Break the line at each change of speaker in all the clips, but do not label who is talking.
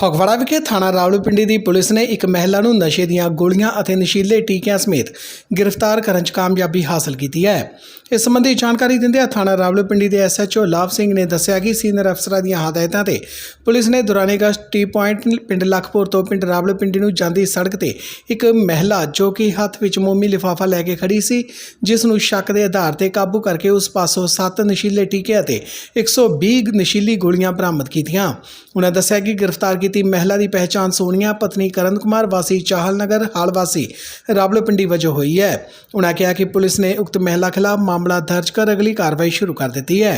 ਫਗਵਾੜਾ ਵਿਖੇ ਥਾਣਾ ਰਾਵਲਪਿੰਡੀ ਦੀ ਪੁਲਿਸ ਨੇ ਇੱਕ ਮਹਿਲਾ ਨੂੰ ਨਸ਼ੇ ਦੀਆਂ ਗੋਲੀਆਂ ਅਤੇ ਨਸ਼ੀਲੇ ਟੀਕਿਆਂ ਸਮੇਤ ਗ੍ਰਿਫਤਾਰ ਕਰਨ 'ਚ ਕਾਮਯਾਬੀ ਹਾਸਲ ਕੀਤੀ ਹੈ। ਇਸ ਸੰਬੰਧੀ ਜਾਣਕਾਰੀ ਦਿੰਦਿਆਂ ਥਾਣਾ ਰਾਵਲਪਿੰਡੀ ਦੇ SHO ਲਾਭ ਸਿੰਘ ਨੇ ਦੱਸਿਆ ਕਿ ਸੀਨੀਅਰ ਅਫਸਰਾਂ ਦੀਆਂ ਹਦਾਇਤਾਂ ਤੇ ਪੁਲਿਸ ਨੇ ਦੌਰਾਨੇ ਗਸ਼ਤ ਟੀ ਪੁਆਇੰਟ ਪਿੰਡ ਲਖਪੁਰ ਤੋਂ ਪਿੰਡ ਰਾਵਲਪਿੰਡੀ ਨੂੰ ਜਾਂਦੀ ਸੜਕ ਤੇ ਇੱਕ ਮਹਿਲਾ ਜੋ ਕਿ ਹੱਥ ਵਿੱਚ ਮੋਮੀ ਲਿਫਾਫਾ ਲੈ ਕੇ ਖੜੀ ਸੀ, ਜਿਸ ਨੂੰ ਸ਼ੱਕ ਦੇ ਆਧਾਰ ਤੇ ਕਾਬੂ ਕਰਕੇ ਉਸ ਪਾਸੋਂ 7 ਨਸ਼ੀਲੇ ਟੀਕੇ ਅਤੇ 120 ਨਸ਼ੀਲੀ ਗੋਲੀਆਂ ਬਰਾਮਦ ਕੀਤੀਆਂ। ਉਨ੍ਹਾਂ ਦੱਸਿਆ ਕਿ ਗ੍ਰਿਫਤਾਰ ਕੀਤੀ ਮਹਿਲਾ ਦੀ ਪਹਿਚਾਣ ਸੋਨੀਆ ਪਤਨੀ ਕਰਨ ਕੁਮਾਰ ਵਾਸੀ ਚਾਹਲ ਨਗਰ ਹਾਲ ਵਾਸੀ ਰਾਵਲਪਿੰਡੀ ਵਜੋਂ ਹੋਈ ਹੈ। ਉਨ੍ਹਾਂ ਕਿਹਾ ਕਿ ਪੁਲਿਸ ਨੇ ਉਕਤ ਮਹਿਲਾ ਖਿਲਾਫ ਮਾਮਲਾ ਦਰਜ ਕਰ ਅਗਲੀ ਕਾਰਵਾਈ ਸ਼ੁਰੂ ਕਰ ਦਿੱਤੀ ਹੈ।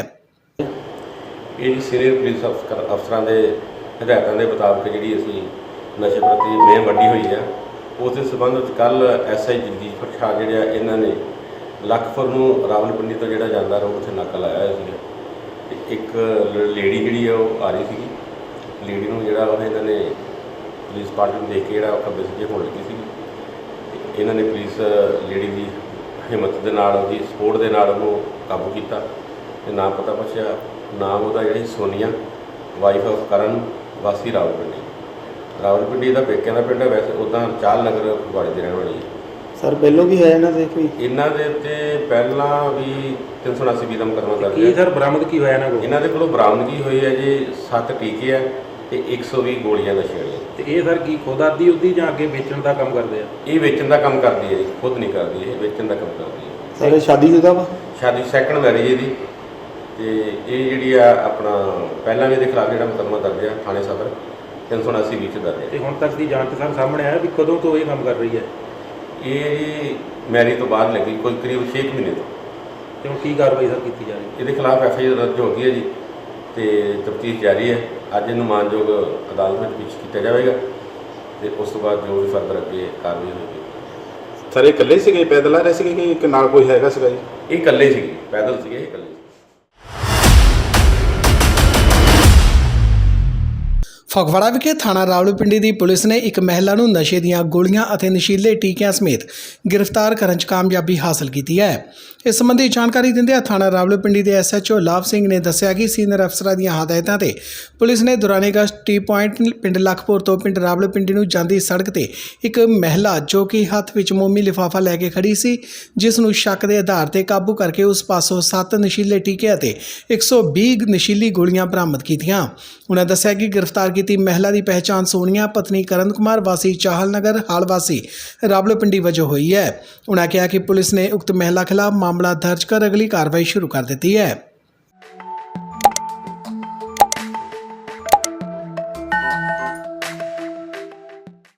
ਇਹ ਸੀਨੀਅਰ ਪੁਲਿਸ ਅਫਸਰਾਂ ਦੇ ਹਦਾਇਤਾਂ ਦੇ ਮੁਤਾਬਕ ਜਿਹੜੀ ਅਸੀਂ ਨਸ਼ੇ ਪ੍ਰਤੀ ਮੁਹਿੰਮ ਵੱਡੀ ਹੋਈ ਹੈ, ਉਸ ਦੇ ਸੰਬੰਧ ਵਿੱਚ ਕੱਲ SI ਜਗਦੀਸ਼ ਸ਼ਾਹ ਜਿਹੜੇ ਆ ਇਹਨਾਂ ਨੇ ਲਖਪੁਰ ਨੂੰ ਰਾਵਲਪਿੰਡੀ ਤੋਂ ਜਿਹੜਾ ਜਾਂਦਾ ਰੋਡ ਉੱਥੇ ਨਾਕਾ ਲਾਇਆ ਹੋਇਆ ਸੀਗਾ। ਇੱਕ ਲੇਡੀ ਜਿਹੜੀ ਆ ਉਹ ਆ ਰਹੀ ਸੀਗੀ, ਲੇਡੀ ਨੂੰ ਜਿਹੜਾ ਉਹ ਇਹਨਾਂ ਨੇ ਪੁਲਿਸ ਪਾਰਟੀ ਨੂੰ ਦੇਖ ਕੇ ਜਿਹੜਾ ਖੱਬੇ ਸੱਜੇ ਹੋਣ ਲੱਗੀ ਸੀ। ਇਹਨਾਂ ਨੇ ਪੁਲਿਸ ਲੇਡੀ ਦੀ ਹਿੰਮਤ ਦੇ ਨਾਲ, ਉਹਦੀ ਸਪੋਰਟ ਦੇ ਨਾਲ ਉਹਨੂੰ ਕਾਬੂ ਕੀਤਾ ਤੇ ਨਾਮ ਪਤਾ ਪੁੱਛਿਆ। ਨਾਮ ਉਹਦਾ ਜਿਹੜੀ ਸੋਨੀਆ ਵਾਈਫ ਆਫ ਕਰਨ ਵਾਸੀ ਰਾਵਲਪਿੰਡੀ ਦਾ ਪੇਕਿਆਂ ਦਾ ਪਿੰਡ ਹੈ। ਵੈਸੇ ਉੱਦਾਂ ਚਾਹਲ ਨਗਰ ਫਗਵਾੜੇ ਦੀ ਰਹਿਣ ਵਾਲੀ ਹੈ।
ਸਰ ਪਹਿਲੋਂ ਵੀ ਹੈ ਇਹਨਾਂ ਦੇ ਕੋਈ?
ਇਹਨਾਂ ਦੇ ਉੱਤੇ ਪਹਿਲਾਂ ਵੀ 379 ਦਾ ਮੁਕੱਦਮਾ ਦਰਜ
ਕੀ ਸਰ ਬਰਾਮਦ ਕੀ ਹੋਇਆ ਇਹਨਾਂ ਕੋਲ?
ਇਹਨਾਂ ਦੇ ਕੋਲੋਂ ਬਰਾਮਦਗੀ ਹੋਈ ਹੈ ਜੀ 7 ਟੀਕੇ ਆ ਤੇ 120 ਗੋਲੀਆਂ ਨਸ਼ੇ ਵਾਲੀਆਂ।
ਤੇ ਇਹ ਸਰ ਕੀ ਖੁਦ ਆਦੀ ਉਹਦੀ ਜਾਂ ਅੱਗੇ ਵੇਚਣ ਦਾ ਕੰਮ ਕਰਦੇ ਆ?
ਇਹ ਵੇਚਣ ਦਾ ਕੰਮ ਕਰਦੀ ਹੈ ਜੀ, ਖੁਦ ਨਹੀਂ ਕਰਦੀ, ਇਹ ਵੇਚਣ ਦਾ ਕੰਮ ਕਰਦੀ ਹੈ।
ਸਰ ਇਹ ਸ਼ਾਦੀशुदा ਵਾ?
ਸ਼ਾਦੀ ਸੈਕੰਡ ਮੈਰਿਜ ਇਹਦੀ। ਤੇ ਇਹ ਜਿਹੜੀ ਆ ਆਪਣਾ ਪਹਿਲਾਂ ਵੀ ਇਹਦੇ ਖਿਲਾਫ ਜਿਹੜਾ ਮੁਕੱਦਮਾ ਦਰਜ ਹੈ ਥਾਣੇ ਸਦਰ 379 ਵਿੱਚ ਦਰਜ ਹੈ।
ਤੇ ਹੁਣ ਤੱਕ ਦੀ ਜਾਂਚ ਸਰ ਸਾਹਮਣੇ ਆਇਆ ਵੀ ਕਦੋਂ ਤੋਂ ਇਹ ਕੰਮ ਕਰ ਰਹੀ ਹੈ?
ਇਹ ਜੀ ਮੈਰਿਜ ਤੋਂ ਬਾਅਦ ਲੱਗੀ, ਕੋਈ ਕਰੀਬ 6 ਮਹੀਨੇ ਤੋਂ।
ਤੇ ਹੁਣ ਕੀ ਕਾਰਵਾਈ ਸਰ ਕੀਤੀ ਜਾ ਰਹੀ ਹੈ?
ਇਹਦੇ ਖਿਲਾਫ FIR ਦਰਜ ਹੋ ਗਈ ਹੈ ਜੀ ਤੇ ਤਫਤੀਸ਼ ਜਾਰੀ ਹੈ। ਅੱਜ ਇਹਨੂੰ ਮਾਨਯੋਗ ਅਦਾਲਤ ਵਿੱਚ ਪੇਸ਼ ਕੀਤਾ ਜਾਵੇਗਾ ਤੇ ਉਸ ਤੋਂ ਬਾਅਦ ਜੋ ਵੀ ਫਰਦਰ ਅੱਗੇ ਕਾਰਵਾਈ ਹੋਵੇਗੀ।
ਸਰ ਇਹ ਇਕੱਲੇ ਸੀਗੇ, ਪੈਦਲ ਆ ਰਹੇ ਸੀਗੇ ਕਿ ਇੱਕ ਨਾਲ ਕੋਈ ਹੈਗਾ ਸੀਗਾ ਜੀ?
ਇਹ ਇਕੱਲੇ ਸੀਗੇ, ਪੈਦਲ ਸੀਗੇ, ਇਹ ਇਕੱਲੇ ਸੀ।
ਫਗਵਾੜਾ ਵਿਖੇ ਥਾਣਾ ਰਾਵਲਪਿੰਡੀ ਦੀ ਪੁਲਿਸ ਨੇ ਇੱਕ ਮਹਿਲਾ ਨੂੰ ਨਸ਼ੇ ਦੀਆਂ ਗੋਲੀਆਂ ਅਤੇ ਨਸ਼ੀਲੇ ਟੀਕਿਆਂ ਸਮੇਤ ਗ੍ਰਿਫਤਾਰ ਕਰਨ 'ਚ ਕਾਮਯਾਬੀ ਹਾਸਲ ਕੀਤੀ ਹੈ। ਇਸ ਸੰਬੰਧੀ ਜਾਣਕਾਰੀ ਦਿੰਦਿਆਂ ਥਾਣਾ ਰਾਵਲਪਿੰਡੀ ਦੇ SHO ਲਾਭ ਸਿੰਘ ਨੇ ਦੱਸਿਆ ਕਿ ਸੀਨੀਅਰ ਅਫਸਰਾਂ ਦੀਆਂ ਹਦਾਇਤਾਂ ਤੇ ਪੁਲਿਸ ਨੇ ਦੌਰਾਨੇ ਗਸ਼ਤ ਟੀ ਪੁਆਇੰਟ ਪਿੰਡ ਲਖਪੁਰ ਤੋਂ ਪਿੰਡ ਰਾਵਲਪਿੰਡੀ ਨੂੰ ਜਾਂਦੀ ਸੜਕ ਤੇ ਇੱਕ ਮਹਿਲਾ ਜੋ ਕਿ ਹੱਥ ਵਿੱਚ ਮੋਮੀ ਲਿਫਾਫਾ ਲੈ ਕੇ ਖੜੀ ਸੀ, ਜਿਸ ਨੂੰ ਸ਼ੱਕ ਦੇ ਆਧਾਰ ਤੇ ਕਾਬੂ ਕਰਕੇ ਉਸ ਪਾਸੋਂ 7 ਨਸ਼ੀਲੇ ਟੀਕੇ ਅਤੇ 120 ਨਸ਼ੀਲੀ ਗੋਲੀਆਂ ਬਰਾਮਦ ਕੀਤੀਆਂ। ਉਨ੍ਹਾਂ ਦੱਸਿਆ ਕਿ ਗ੍ਰਿਫਤਾਰ ਕੀਤੀ ਮਹਿਲਾ ਦੀ ਪਹਿਚਾਣ ਸੋਨੀਆ ਪਤਨੀ ਕਰਨ ਕੁਮਾਰ ਵਾਸੀ ਚਾਹਲ ਨਗਰ ਹਾਲ ਵਾਸੀ ਰਾਵਲਪਿੰਡੀ ਵਜੋਂ ਹੋਈ ਹੈ। ਉਨ੍ਹਾਂ ਕਿਹਾ ਕਿ ਪੁਲਿਸ ਨੇ ਉਕਤ ਮਹਿਲਾ ਖਿਲਾਫ ਮਾਮਲਾ ਦਰਜ ਕਰ ਅਗਲੀ ਕਾਰਵਾਈ ਸ਼ੁਰੂ ਕਰ ਦਿੱਤੀ ਹੈ।